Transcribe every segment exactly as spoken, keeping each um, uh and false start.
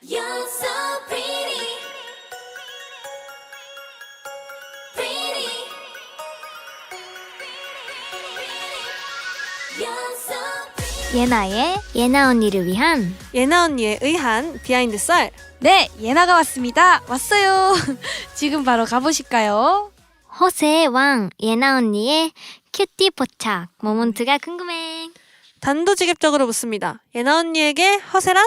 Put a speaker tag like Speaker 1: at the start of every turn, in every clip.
Speaker 1: You're so pretty, pretty. You're so pretty.
Speaker 2: 예나의 예나 언니를 위한
Speaker 3: 예나 언니에 의한 비하인드 썰.
Speaker 4: 네, 예나가 왔습니다. 왔어요. 지금 바로 가보실까요?
Speaker 2: 허세의 왕 예나 언니의 큐티 포착 모먼트가 궁금해.
Speaker 3: 단도직입적으로 묻습니다. 예나 언니에게 허세란?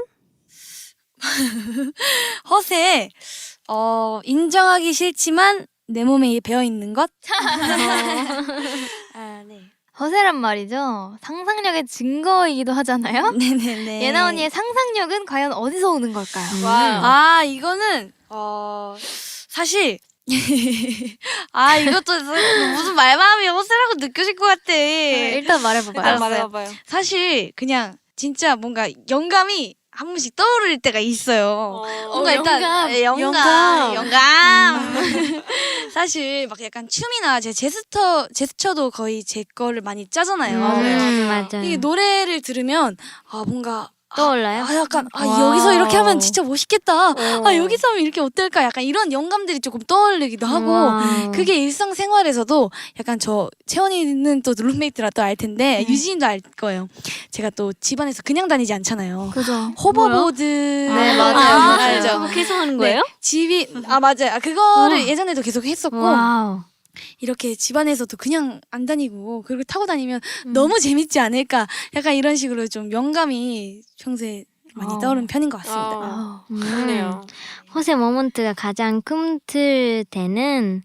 Speaker 4: 허세, 어, 인정하기 싫지만 내 몸에 배어 있는 것? 아, 네.
Speaker 2: 허세란 말이죠. 상상력의 증거이기도 하잖아요.
Speaker 4: 네네네.
Speaker 2: 예나 언니의 상상력은 과연 어디서 오는 걸까요?
Speaker 3: 와우.
Speaker 4: 아, 이거는, 어, 사실, 아, 이것도 무슨 말마음이 허세라고 느껴질 것 같아.
Speaker 2: 일단 말해봐봐요.
Speaker 4: 알았어요.
Speaker 3: 말해봐봐요.
Speaker 4: 사실, 그냥, 진짜 뭔가 영감이 한 번씩 떠오를 때가 있어요. 뭔가
Speaker 3: 어,
Speaker 4: 일단
Speaker 2: 영감.
Speaker 4: 예, 영감
Speaker 3: 영감.
Speaker 4: 영감, 사실 막 약간 춤이나 제 제스처 제스처도 거의 제 거를 많이 짜잖아요.
Speaker 3: 맞아요.
Speaker 2: 음, 맞아요.
Speaker 4: 이게 노래를 들으면 아 뭔가
Speaker 2: 떠올라요?
Speaker 4: 아 약간 아
Speaker 2: 와우.
Speaker 4: 여기서 이렇게 하면 진짜 멋있겠다.
Speaker 3: 어.
Speaker 4: 아 여기서 하면 이렇게 어떨까? 약간 이런 영감들이 조금 떠올리기도 하고
Speaker 2: 와우.
Speaker 4: 그게 일상생활에서도 약간 저 채원이는 또 룸메이트라 또 알 텐데 유진이도 알 거예요. 제가 또 집안에서 그냥 다니지 않잖아요.
Speaker 2: 그죠.
Speaker 4: 호버보드
Speaker 2: 네, 맞아요.
Speaker 4: 아,
Speaker 2: 맞아요.
Speaker 4: 알죠?
Speaker 2: 그거 계속 하는 거예요?
Speaker 4: 네, 집이 아 맞아요. 아, 그거를
Speaker 2: 우와.
Speaker 4: 예전에도 계속 했었고
Speaker 2: 와우.
Speaker 4: 이렇게 집안에서도 그냥 안 다니고 그리고 타고 다니면
Speaker 2: 음.
Speaker 4: 너무 재밌지 않을까? 약간 이런 식으로 좀 영감이 평소에 많이
Speaker 2: 어.
Speaker 4: 떠오르는 편인 것 같습니다.
Speaker 3: 아,
Speaker 2: 음.
Speaker 3: 그러네요.
Speaker 2: 허세 모먼트가 가장 꿈틀대는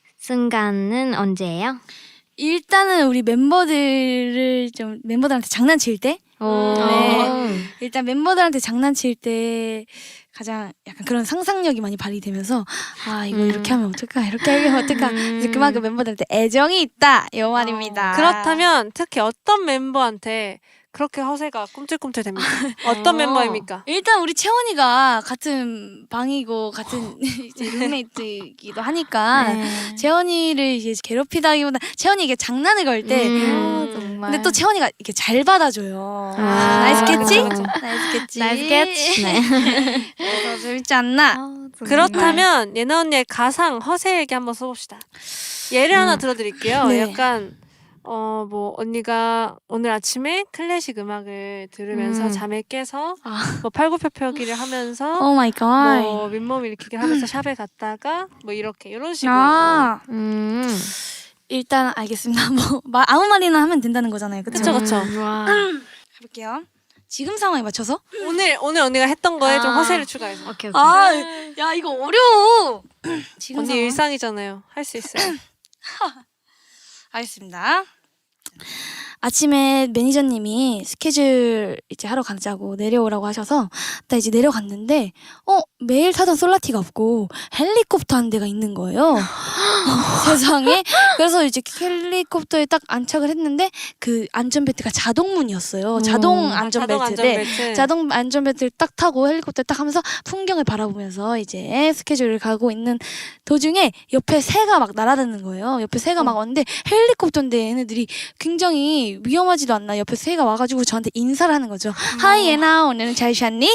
Speaker 2: 순간은 언제예요?
Speaker 4: 일단은 우리 멤버들을 좀 멤버들한테 장난칠 때
Speaker 2: 오.
Speaker 4: 네. 일단 멤버들한테 장난칠 때 가장 약간 그런 상상력이 많이 발휘되면서 아 이거
Speaker 2: 음.
Speaker 4: 이렇게 하면 어떨까 이렇게 하면 어떨까 그래서 그만큼 멤버들한테 애정이 있다 이 말입니다.
Speaker 3: 그렇다면 특히 어떤 멤버한테 그렇게 허세가 꿈틀꿈틀 됩니까? 어떤
Speaker 2: 어.
Speaker 3: 멤버입니까?
Speaker 4: 일단 우리 채원이가 같은 방이고 같은 이제 룸메이트이기도 하니까
Speaker 2: 네.
Speaker 4: 채원이를 이제 괴롭히다기보다 채원이 이게 장난을 걸 때
Speaker 2: 음.
Speaker 4: 정말. 근데 또 채원이가 이렇게 잘 받아줘요.
Speaker 2: 아,
Speaker 4: 나이스 캐치?
Speaker 3: 그쵸, 그쵸.
Speaker 4: 나이스 캐치.
Speaker 2: 나이스 캐치. 네.
Speaker 4: 그래서 재밌지 않나?
Speaker 2: 아,
Speaker 3: 그렇다면 예나 언니의 가상 허세 얘기 한번 써봅시다. 예를 하나 들어드릴게요.
Speaker 4: 네.
Speaker 3: 약간 어 뭐 언니가 오늘 아침에 클래식 음악을 들으면서
Speaker 2: 음.
Speaker 3: 잠에 깨서
Speaker 4: 아.
Speaker 3: 뭐 팔굽혀펴기를 하면서
Speaker 4: 오 마이 갓.
Speaker 3: 뭐 윗몸 일으키기를 하면서 샵에 갔다가 뭐 이렇게 이런 식으로
Speaker 4: 아,
Speaker 2: 음.
Speaker 4: 일단 알겠습니다. 뭐 마- 아무 말이나 하면 된다는 거잖아요. 그쵸?
Speaker 3: 그쵸, 그쵸.
Speaker 2: 음, 와.
Speaker 4: 해볼게요. 지금 상황에 맞춰서?
Speaker 3: 오늘 오늘 언니가 했던 거에 좀
Speaker 4: 아.
Speaker 3: 허세를 추가해서
Speaker 2: 오케이 오케이.
Speaker 4: 아, 야 이거 어려워. 지금
Speaker 3: 언니
Speaker 4: 상황?
Speaker 3: 일상이잖아요. 할 수 있어요.
Speaker 4: 알겠습니다. 아침에 매니저님이 스케줄 이제 하러 가자고 내려오라고 하셔서 나 이제 내려갔는데 어 매일 타던 솔라티가 없고 헬리콥터 한 대가 있는 거예요. 어, 세상에. 그래서 이제 헬리콥터에 딱 안착을 했는데 그 안전벨트가 자동문이었어요. 자동
Speaker 2: 음.
Speaker 4: 안전벨트.
Speaker 3: 자동
Speaker 4: 네.
Speaker 3: 안전벨트.
Speaker 4: 자동 안전벨트를 딱 타고 헬리콥터 딱 하면서 풍경을 바라보면서 이제 스케줄을 가고 있는 도중에 옆에 새가 막 날아다니는 거예요. 옆에 새가 막 왔는데 헬리콥터인데 얘네들이 굉장히 위험하지도 않나 옆에 새가 와가지고 저한테 인사를 하는 거죠. 하이 예나 오늘은 잘 잤니?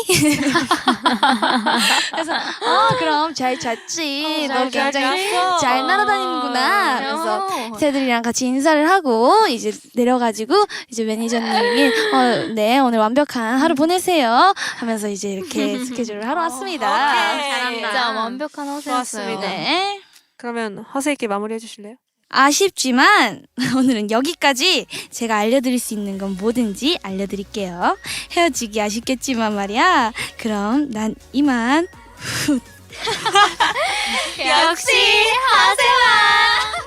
Speaker 4: 그래서 아 그럼 잘 잤지.
Speaker 3: 어,
Speaker 4: 너
Speaker 3: 잘
Speaker 4: 굉장히
Speaker 3: 잤어.
Speaker 4: 잘 날아다니는구나. 그래서
Speaker 2: 어.
Speaker 4: 새들이랑 같이 인사를 하고 이제 내려가지고 이제 매니저님이 어, 네 오늘 완벽한 하루 보내세요 하면서 이제 이렇게 스케줄을 하러 왔습니다.
Speaker 3: 오케이.
Speaker 2: 잘한다. 진짜 완벽한 허세였어요.
Speaker 3: 좋았습니다.
Speaker 4: 네.
Speaker 3: 그러면 허세 있게 마무리해 주실래요?
Speaker 4: 아쉽지만 오늘은 여기까지. 제가 알려드릴 수 있는 건 뭐든지 알려드릴게요. 헤어지기 아쉽겠지만 말이야. 그럼 난 이만.
Speaker 2: 역시 허세왕.